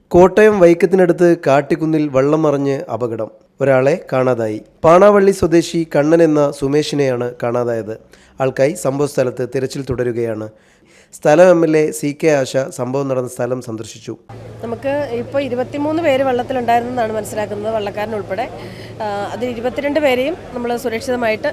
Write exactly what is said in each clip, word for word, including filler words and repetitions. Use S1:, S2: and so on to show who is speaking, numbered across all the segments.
S1: കോട്ടയം വൈക്കത്തിനടുത്ത് കാട്ടിക്കുന്നിൽ വെള്ളം മറിഞ്ഞ് അപകടം. ഒരാളെ കാണാതായി. പാണാവള്ളി സ്വദേശി കണ്ണൻ എന്ന സുമേഷിനെയാണ് കാണാതായത്. ആൾക്കായി സംഭവസ്ഥലത്ത് തിരച്ചിൽ തുടരുകയാണ്. സ്ഥലം M L A C K Asha സംഭവം നടന്ന സ്ഥലം സന്ദർശിച്ചു.
S2: നമുക്ക് ഇപ്പോൾ ഇരുപത്തിമൂന്ന് പേര് വെള്ളത്തിലുണ്ടായിരുന്നെന്നാണ് മനസ്സിലാക്കുന്നത്, വള്ളക്കാരൻ ഉൾപ്പെടെ. അതിൽ ഇരുപത്തിരണ്ട് പേരെയും നമ്മൾ സുരക്ഷിതമായിട്ട്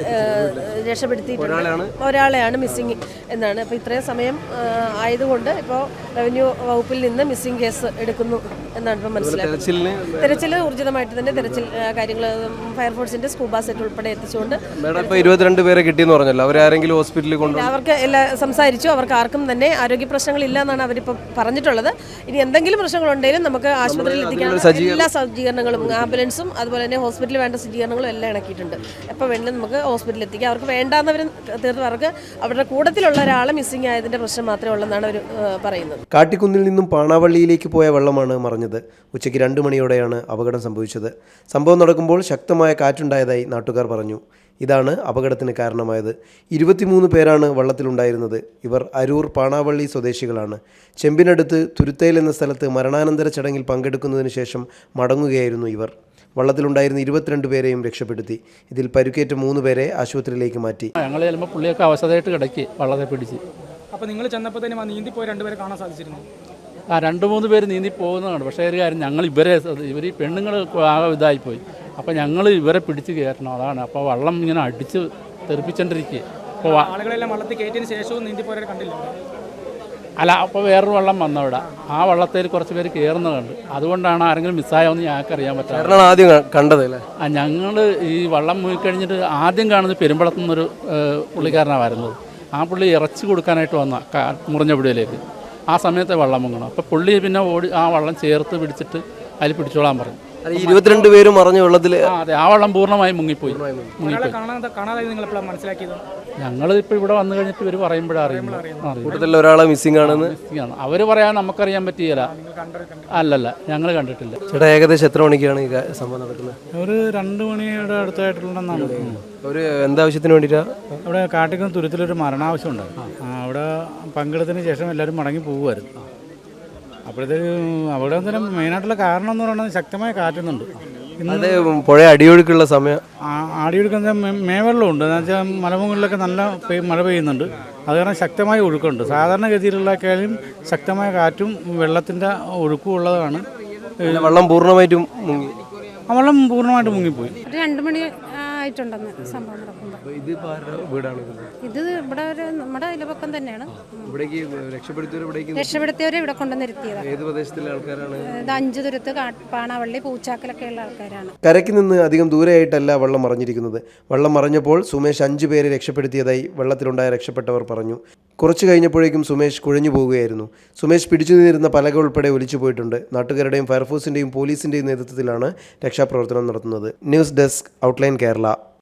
S2: രക്ഷപ്പെടുത്തിയിട്ടുണ്ട്. ഒരാളെയാണ് മിസ്സിങ് എന്നാണ്. അപ്പോൾ ഇത്രയും സമയം ആയതുകൊണ്ട് ഇപ്പോൾ റവന്യൂ വകുപ്പിൽ നിന്ന് മിസ്സിങ് കേസ് എടുക്കുന്നു എന്നാണ് ഇപ്പോൾ മനസ്സിലാക്കുന്നത്. തെരച്ചിൽ ഊർജിതമായിട്ട് തന്നെ തെരച്ചിൽ കാര്യങ്ങൾ ഫയർഫോഴ്സിന്റെ സ്കൂബ സെറ്റ് ഉൾപ്പെടെ എത്തിച്ചുകൊണ്ട്
S1: ഇരുപത്തിരണ്ട് പേരെ കിട്ടിയെന്ന് പറഞ്ഞല്ലോ. അവരാരെങ്കിലും ഹോസ്പിറ്റലിൽ കൊണ്ട്
S2: അവർക്ക് എല്ലാം സംസാരിച്ചു. അവർക്ക് ആർക്കും തന്നെ ആരോഗ്യ പ്രശ്നങ്ങളില്ല എന്നാണ് അവരിപ്പോൾ പറഞ്ഞിട്ടുള്ളത്. ഇനി എന്തെങ്കിലും പ്രശ്നങ്ങളുണ്ടെങ്കിലും നമുക്ക് ആശുപത്രിയിൽ എത്തിക്കാൻ എല്ലാ സജ്ജീകരണങ്ങളും, ആംബുലൻസും അതുപോലെ തന്നെ ഹോസ്പിറ്റലിൽ വേണ്ട സജ്ജീകരണങ്ങളും എല്ലാം ഇണക്കിയിട്ടുണ്ട്. എപ്പോൾ വേണമെങ്കിലും നമുക്ക് ഹോസ്പിറ്റലിൽ എത്തിക്കാം. അവർക്ക് വേണ്ടാന്നവർ തീർത്തും അവർക്ക് അവരുടെ കൂട്ടത്തിലുള്ള ഒരാളെ മിസ്സിംഗ് ആയതിന്റെ പ്രശ്നം മാത്രമേ ഉള്ളെന്നാണ് അവർ പറയുന്നത്.
S1: കാട്ടിക്കുന്നിൽ നിന്നും പാണാവള്ളിയിലേക്ക് പോയ വെള്ളമാണ് മറിഞ്ഞത്. ഉച്ചയ്ക്ക് രണ്ട് മണിയോടെയാണ് അപകടം സംഭവിച്ചത്. സംഭവം നടക്കുമ്പോൾ ശക്തമായ കാറ്റുണ്ടായതായി നാട്ടുകാർ പറഞ്ഞു. ഇതാണ് അപകടത്തിന് കാരണമായത്. ഇരുപത്തിമൂന്ന് പേരാണ് വള്ളത്തിലുണ്ടായിരുന്നത്. ഇവർ അരൂർ പാണാവള്ളി സ്വദേശികളാണ്. ചെമ്പിനടുത്ത് തുരുത്തേൽ എന്ന സ്ഥലത്ത് മരണാനന്തര ചടങ്ങിൽ പങ്കെടുക്കുന്നതിന് ശേഷം മടങ്ങുകയായിരുന്നു ഇവർ. വള്ളത്തിലുണ്ടായിരുന്ന ഇരുപത്തിരണ്ട് പേരെയും രക്ഷപ്പെടുത്തി. ഇതിൽ പരുക്കേറ്റ മൂന്ന് പേരെ ആശുപത്രിയിലേക്ക് മാറ്റി.
S3: ഞങ്ങൾ ചെല്ലുമ്പോൾ പുള്ളിയൊക്കെ അവസ്ഥയായിട്ട് കിടക്കി വള്ളത്തെ പിടിച്ച്.
S4: അപ്പോൾ നിങ്ങൾ ചെന്നപ്പോൾ തന്നെ നീന്തി പോയി രണ്ടുപേരെ കാണാൻ സാധിച്ചിരുന്നു?
S3: ആ രണ്ട് മൂന്ന് പേര് നീന്തി പോകുന്നതാണ്. പക്ഷേ ഒരു കാര്യം, ഞങ്ങൾ ഇവരെ ഇവർ ഈ പെണ്ണുങ്ങൾ ആകെ ഇതായിപ്പോയി. അപ്പോൾ ഞങ്ങൾ ഇവരെ പിടിച്ച് കയറ്റണം. അതാണ്. അപ്പോൾ വള്ളം ഇങ്ങനെ അടിച്ച് തെറിപ്പിച്ചോണ്ടിരിക്കുക. അപ്പോൾ
S4: ആളുകളെല്ലാം വള്ളത്തിൽ കയറ്റിയതിന് ശേഷവും നീന്തി പോയവരെ കണ്ടില്ല?
S3: അല്ല, അപ്പോൾ വേറൊരു വള്ളം വന്നവിടെ. ആ വള്ളത്തിൽ കുറച്ച് പേര് കയറുന്നത് കണ്ട്. അതുകൊണ്ടാണ് ആരെങ്കിലും മിസ്സായോന്ന് ഞങ്ങൾക്ക് അറിയാൻ പറ്റാറ്.
S1: ആദ്യം കണ്ടത്
S3: ആ ഞങ്ങൾ ഈ വള്ളം മുങ്ങിക്കഴിഞ്ഞിട്ട് ആദ്യം കാണുന്നത് പെരുമ്പളത്തു നിന്നൊരു പുള്ളിക്കാരനാണ് വരുന്നത്. ആ പുള്ളി ഇറച്ചി കൊടുക്കാനായിട്ട് വന്ന മുറിഞ്ഞപുഴയിലേക്ക്. ആ സമയത്തെ വള്ളം മുങ്ങണം. അപ്പോൾ പുള്ളി പിന്നെ ഓടി ആ വള്ളം ചേർത്ത് പിടിച്ചിട്ട് അതിൽ പിടിച്ചോളാൻ പറഞ്ഞു.
S1: ഇരുപത്തിരണ്ട് പേരും മറിഞ്ഞ വെള്ളത്തിൽ.
S3: അതെ, ആ വള്ളം പൂർണ്ണമായും മുങ്ങിപ്പോയി. ഞങ്ങൾ ഇപ്പോൾ ഇവിടെ വന്നു കഴിഞ്ഞിട്ട് ഇവർ പറയുമ്പോഴാണ് അറിയുന്നത്
S1: ഒരാളെ മിസ്സിംഗ് ആണെന്ന്.
S3: അവർ പറയാൻ നമുക്കറിയാൻ പറ്റിയില്ല. അല്ലല്ല, ഞങ്ങൾ കണ്ടിട്ടില്ല.
S1: ചേട്ടാ, ഏകദേശം എത്ര മണിക്കാണ് ഈ സംഭവം നടക്കുന്നത്?
S5: ഒരു രണ്ട് മണിയുടെ അടുത്തായിട്ടുണ്ടെന്നാണ്.
S1: ഒരു എന്താവശ്യത്തിന് വേണ്ടിയിട്ടാണ്?
S5: അവിടെ കാട്ടിക്കുന്ന തുരുത്തിലൊരു മരണാവശ്യം ഉണ്ടായിരുന്നു. അവിടെ പങ്കെടുത്തതിന് ശേഷം എല്ലാവരും മടങ്ങി പോകുമായിരുന്നു. അപ്പോഴത്തേക്ക് അവിടെ തന്നെ മെയിനായിട്ടുള്ള കാരണം എന്ന് പറയുന്നത് ശക്തമായ കാറ്റുന്നുണ്ട്.
S1: അതെ, പുഴ അടിയൊഴുക്കുള്ള സമയം.
S5: അടിയൊഴുക്കുന്ന മേവെള്ളമുണ്ട്. എന്ന് വെച്ചാൽ മലമുകളിലൊക്കെ നല്ല മഴ പെയ്യുന്നുണ്ട്. അത് കാരണം ശക്തമായ ഒഴുക്കുണ്ട്. സാധാരണഗതിയിലുള്ളക്കാളും ശക്തമായ കാറ്റും വെള്ളത്തിൻ്റെ ഒഴുക്കും ഉള്ളതാണ്.
S1: വെള്ളം പൂർണ്ണമായിട്ടും മുങ്ങി.
S5: ആ വെള്ളം പൂർണ്ണമായിട്ട് മുങ്ങിപ്പോയി.
S6: രണ്ട് മണി ആയിട്ടുണ്ടെന്ന് സംഭവം നടക്കുമ്പോൾ. ഇത് ഇവിടെ ഒരു നമ്മുടെ അയൽപക്കം തന്നെയാണ്. രക്ഷപ്പെടുത്തിയവരെ ഇവിടെ കൊണ്ടുവന്നിരുത്തിയത്.
S1: ഏത് പ്രദേശത്തിലെ ആൾക്കാരാണ്?
S6: ഇത് അഞ്ചു തുരുത്ത്, പാണാവള്ളി, പൂച്ചാക്കലൊക്കെ ഉള്ള ആൾക്കാരാണ്.
S1: കരയ്ക്ക് നിന്ന് അധികം ദൂരെയായിട്ടല്ല വെള്ളം മറിഞ്ഞിരിക്കുന്നത്. വെള്ളം മറിഞ്ഞപ്പോൾ സുമേഷ് അഞ്ചു പേരെ രക്ഷപ്പെടുത്തിയതായി വെള്ളത്തിലുണ്ടായ രക്ഷപ്പെട്ടവർ പറഞ്ഞു. കുറച്ചു കഴിഞ്ഞപ്പോഴേക്കും സുമേഷ് കുഴഞ്ഞു പോവുകയായിരുന്നു. സുമേഷ് പിടിച്ചു നിന്നിരുന്ന പലക ഉൾപ്പെടെ ഒലിച്ചു പോയിട്ടുണ്ട്. നാട്ടുകാരുടെയും ഫയർഫോഴ്സിന്റെയും പോലീസിന്റെയും നേതൃത്വത്തിലാണ് രക്ഷാപ്രവർത്തനം നടത്തുന്നത്. News desk, outline Kerala.